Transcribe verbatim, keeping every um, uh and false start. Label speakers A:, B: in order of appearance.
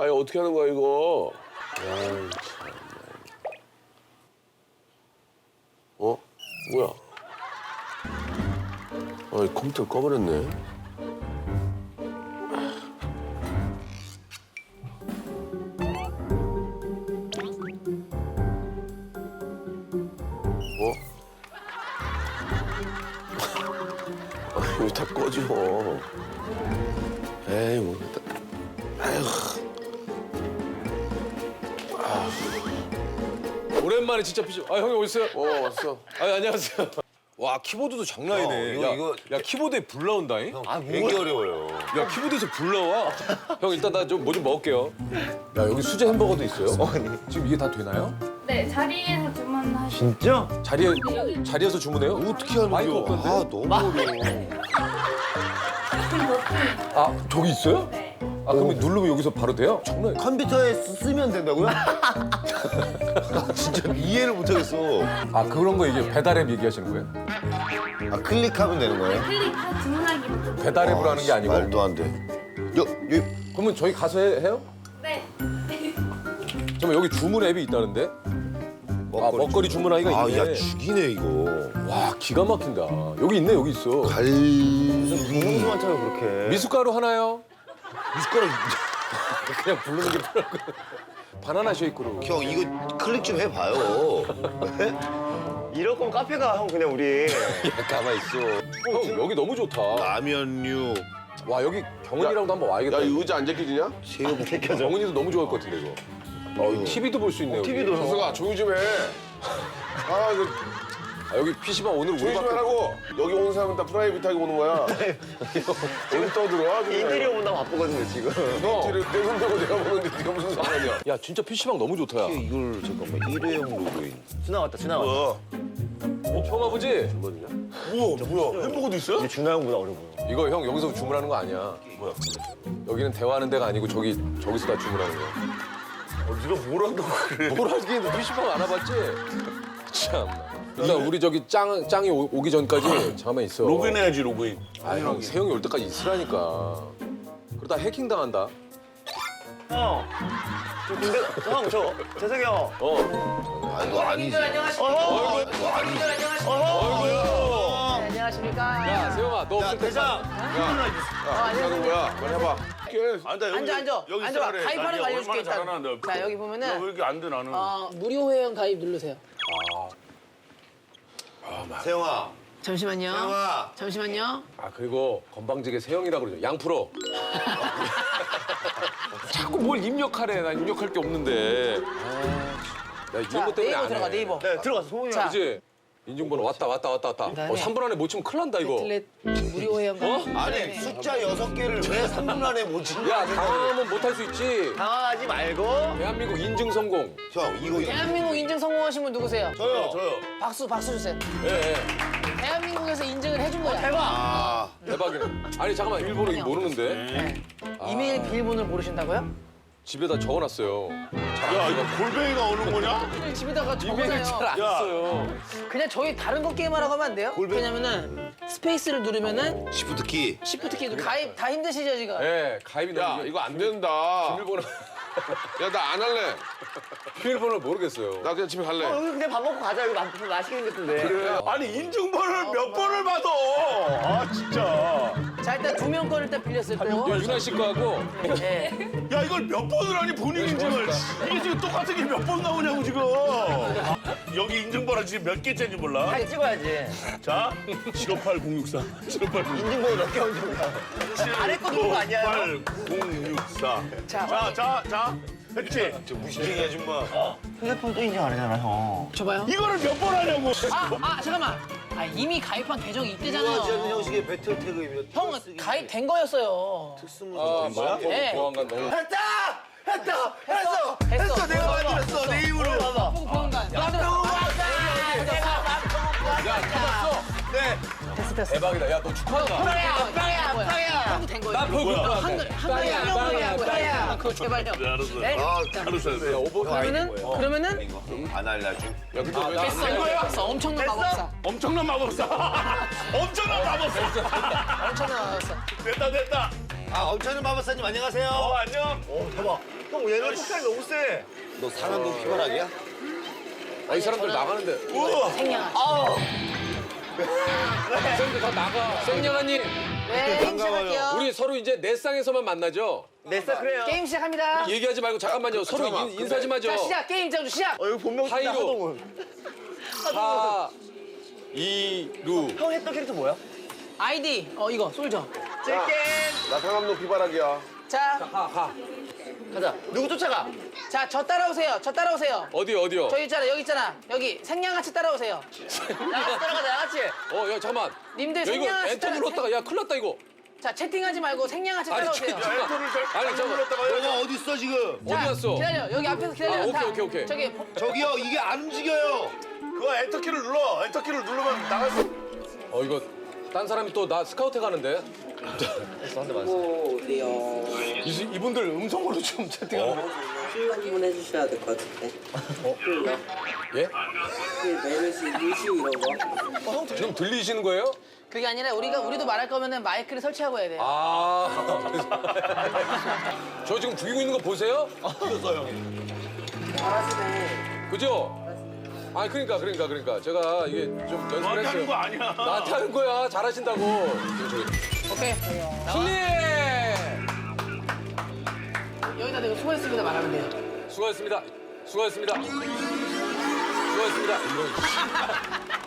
A: 아니 어떻게 하는 거야 이거? 아이 참. 어? 뭐야? 아 컴퓨터 꺼버렸네. 어? 아, 이거 다 꺼져. 에이, 뭐. 아휴.
B: 오랜만에 진짜 피시. 아 형님 어딨어요?
A: 어, 왔어.
B: 아 안녕하세요. 와 키보드도 장난이네.
C: 형, 이거,
B: 야,
C: 이거-
B: 야 키보드에 불 나온다잉?
C: 아, 되게 어려워요.
B: 야 키보드에서 불 나와. 형 일단 나 좀 뭐 좀 먹을게요. 야 여기 수제 햄버거도 있어요. 지금 이게 다 되나요?
D: 네, 자리에서 주문하시면
C: 진짜?
B: 자리에 자리에서 주문해요?
C: 어떻게 하는
B: 마이크
C: 거야?
B: 없던데?
C: 아, 너무 어려워.
B: 아 저기 있어요?
D: 네.
B: 아 그러면 누르면 여기서 바로 돼요? 장난.
C: 컴퓨터에 쓰- 쓰면 된다고요? 진짜 이해를 못하겠어.
B: 아 그런 거 이게 배달앱 얘기하시는 거예요?
C: 아, 클릭하면 되는 거예요?
D: 클릭해서 주문하기부터.
B: 배달앱으로 하는 게 아니고.
C: 말도 안 돼. 여, 여,
B: 그러면 저희 가서 해, 해요?
D: 네.
B: 잠깐 여기 주문 앱이 있다는데? 아 먹거리 주문하기가
C: 아,
B: 있네.
C: 야, 죽이네, 이거.
B: 와 기가 막힌다. 여기 있네 여기 있어.
C: 갈. 무슨 많다고 그렇게.
B: 미숫가루 하나요?
C: 미숫가루.
B: 그냥 부르는 게 편하고. 바나나 쉐이크로.
C: 형, 이거 클릭 좀 해봐요.
E: 이럴 거면 카페 가, 형, 그냥 우리.
C: 야, 가만 있어.
B: 형 여기 너무 좋다.
C: 라면류.
B: 와 여기 경은이랑도 한번 와야겠다.
A: 야, 이 의자 안 제껴지냐?
C: 새우볶음.
B: 경은이도 너무 좋아할 것 같은데 이거.
C: 어휴.
B: 티비도 볼 수 있네요.
E: 티비도
B: 여기.
A: 정석아, 조용히 좀 해. 아, 이거
B: 아, 여기 피시방 오늘
A: 조용히 좀
B: 우리밖에.
A: 하라고. 여기 오는 사람은 다 프라이빗하게 오는 거야. 어디 떠들어?
E: 인테리어 본다고 바쁘거든요, 지금.
B: 형.
A: 인테리어 내 손대고 내가 보는데 네가 무슨 상관이야?
B: 야 진짜 피시방 너무 좋다. 야.
C: 이걸 잠깐만 일회용 로그인.
E: 준하 왔다, 준하 왔다.
A: 어,
B: 처음 와보지?
A: 뭐야, 뭐야? 햄버거도 있어요?
E: 이제 준하 형보다 어려 보여.
B: 이거 형 여기서 주문하는 거 아니야.
A: 뭐야?
B: 여기는 대화하는 데가 아니고 저기 저기서 다 주문하는 거야.
A: 어, 네가 뭘 한다고 그래?
B: 뭘 하긴 피시방 안 와봤지? 참. 일단 우리 저기 짱 짱이 오- 오기 전까지 잠깐만 있어.
A: 로그인해야지, 로그인.
B: 아 형 세영이 올 때까지 있으라니까. 그러다 해킹 당한다.
E: 형. 저 근데, 형, 저, 재석이 형.
B: 어.
C: 아, 이거 아니지.
E: 어허!
C: 이거 아니지.
E: 어허!
F: 네, 안녕하십니까.
B: 야 세영아 너 없을 때.
E: 대장!
A: 하는 거야? 빨리 해봐.
G: 앉아 여기
F: 앉아, 앉아.
G: 여기
F: 앉아봐.
G: 있어, 그래.
F: 가입하는
G: 나
F: 거
G: 이거
F: 알려줄게,
G: 얼마나
F: 일단.
G: 잘하는데.
F: 자, 여기 보면은
G: 왜 이렇게 안 돼 나는?
F: 어, 무료 회원 가입 누르세요.
C: 세영아.
F: 잠시만요.
C: 세영아.
F: 잠시만요.
B: 아 그리고 건방지게 세영이라고 그러죠. 양프로. 자꾸 뭘 입력하래. 난 입력할 게 없는데. 아, 나 이런
F: 자,
B: 것 때문에
F: 네이버
B: 안
F: 들어가,
B: 해.
F: 네이버.
E: 네, 들어가서 소문이
F: 자,
B: 그지? 인증번호 왔다 왔다 왔다 왔다.
F: 그다음에
B: 어, 삼 분 안에 못 치면 큰일 난다 이거.
F: 배틀넷 무료 회원 가입.
B: 어?
C: 아니, 숫자 여섯 개를 왜 삼 분 안에 못 치냐?
B: 야 당황하면 못 할 수 있지.
E: 당황하지 말고.
B: 대한민국 인증 성공.
C: 형, 이거.
F: 대한민국 인증 성공하신 분 누구세요?
C: 저요.
G: 저요.
F: 박수, 박수 주세요.
B: 예, 예.
F: 대한민국에서 인증을 해준 거야.
E: 대박!
C: 아,
B: 대박이네. 아니 잠깐만 일본어 이거 모르는데.
F: 네. 이메일 비밀번호를 모르신다고요?
B: 집에다 적어놨어요.
G: 야 이거 골뱅이가 오는 거냐?
F: 집에다가
B: 이메일 잘
F: 적어놔요.
B: 안 써요.
F: 그냥 저희 다른 거 게임하라고 하면 안 돼요? 왜냐면은 스페이스를 누르면은
C: 시프트 키.
F: 시프트 키도 가입 다 힘드시죠 지금?
B: 예, 가입이
A: 야,
B: 너무
A: 이거 안 된다.
B: 비밀번호
A: 야, 나 안 할래.
B: 비밀번호를 모르겠어요.
A: 나 그냥 집에 갈래.
E: 어, 여기 그냥 밥 먹고 가자. 여기 맛, 맛있게 생겼던데.
G: 아니 인증번호를 몇 번을 받아? 아 진짜.
F: 자 일단 두 명 거를 일단 빌렸을 거고.
B: 유나 씨 거하고
F: 예.
G: 야 이걸 몇 번을 하니 본인 인증을. 이게 지금 똑같은 게 몇 번 나오냐고 지금. 여기 인증번호 지금 몇 개째인지 몰라.
E: 다 찍어야지.
G: 자 칠오팔공육사 칠오팔공육사
E: 인증번호 몇 개 얹은 거야? 아래 거 누른 거 아니야?
G: 칠오팔공육사.
F: 자,
G: 자, 자, 자. 했지?
C: 저 무시쟁이 아줌마.
E: 휴대폰 또 인증 안 하잖아, 형.
F: 줘봐요.
G: 이거를 몇 번 하냐고.
F: 아, 아 잠깐만. 아 이미 가입한 계정이
C: 이거하지
F: 있대잖아요.
C: 않는 형식의 배틀 태그이며.
F: 형 가입된 거였어요.
B: 아,
C: 거야?
F: 네.
B: 보안관 너무
C: 했다! 했다! 했어!
F: 했어.
C: 했어! 내가 만들었어! 내 힘으로!
F: 보고 보안관.
B: 야, 찾았어.
C: 네.
F: 됐어 됐어.
B: 대박이다. 야, 너 축하한다.
F: 빵이야 빵이야 빵이야. 형도 된 거예요.
B: 나 그거
F: 한글 한글 한 명으로 한 거야. 그거 제발요.
G: 알았어.
F: 네.
C: 아,
F: 자,
G: 알았어.
B: 야, 오버
F: 그러면은 그러면은
C: 안 알려줘.
B: 야, 근데 왜
F: 됐어.
B: 나안 된 거야?
F: 됐어. 엄청난 마법사.
G: 엄청난 마법사. 엄청난 마법사.
F: 엄청난 마법사.
G: 됐다, 됐다.
C: 아, 엄청난 마법사님 안녕하세요.
E: 어, 안녕. 오, 대박. 형, 얘는 폭탄이 너무 세.
C: 너 상암동 피바락이야?
B: 아, 이 사람들 나가는데.
F: 생양아.
B: 쌤들 다 나가. 생년아님,
F: 네, 게임 시작할게요.
B: 우리 서로 이제 내 쌍에서만 만나죠?
E: 냈어, 그래요.
F: 게임 시작합니다.
B: 얘기하지 말고 잠깐만요. 서로
A: 잠깐만,
B: 인, 인사 좀 하죠.
F: 자, 시작. 게임 장주 시작.
E: 어, 여기 본명 쓴다,
B: 하이로.
E: 하동훈.
B: 하, 이, 루.
E: 형 했던 캐릭터 뭐야?
F: 아이디. 어, 이거 솔져.
E: 찔겐.
A: 나 상암동 피바락이야.
F: 자,
B: 하, 하.
E: 가자. 누구 쫓아가?
F: 자, 저 따라오세요. 저 따라오세요.
B: 어디요, 어디요?
F: 저기 있잖아. 여기 있잖아. 여기 생양아치 따라오세요.
E: 나같이 따라가자, 나같이.
B: 어, 야, 잠깐만.
F: 님들
B: 야, 이거
F: 생양아치
B: 엔터
F: 따라.
B: 눌렀다가, 야, 큰일 났다, 이거.
F: 자, 채팅하지 말고 생양아치 따라오세요.
B: 잠깐만.
G: 엔터를 잘
B: 아니, 잠깐만.
C: 너가 어디 있어 지금?
B: 어디 갔어?
F: 기다려. 여기 앞에서 기다려.
B: 아, 오케이,
F: 다.
B: 오케이, 오케이.
F: 저기
C: 저기요 이게 안 움직여요.
G: 그거 엔터키를 눌러. 엔터키를 누르면 나갈 수.
B: 어, 이거 딴 사람이 또 나 스카우트 가는데? 이, 이분들 음성으로 좀 채팅하는 거.
H: 술 한번 해주셔야 될 것 같은데.
B: 예?
H: 그 메르시, 루시우 이런 거.
B: 지금 들리시는 거예요?
F: 그게 아니라 우리가 우리도 말할 거면은 마이크를 설치하고 해야 돼요.
B: 아. 저 지금 죽이고 있는 거 보세요?
H: 잘하시네.
B: 그죠? 아, 그러니까, 그러니까, 그러니까. 제가 이게 좀 연습을
G: 너한테 하는 거
B: 했어요.
G: 아니야.
B: 나한테 하는 거야. 잘하신다고.
F: 오케이.
B: 승리!
F: 여기다 대고 수고했습니다 말하면 돼요.
B: 수고하셨습니다. 수고하셨습니다. 수고하셨습니다. 이런.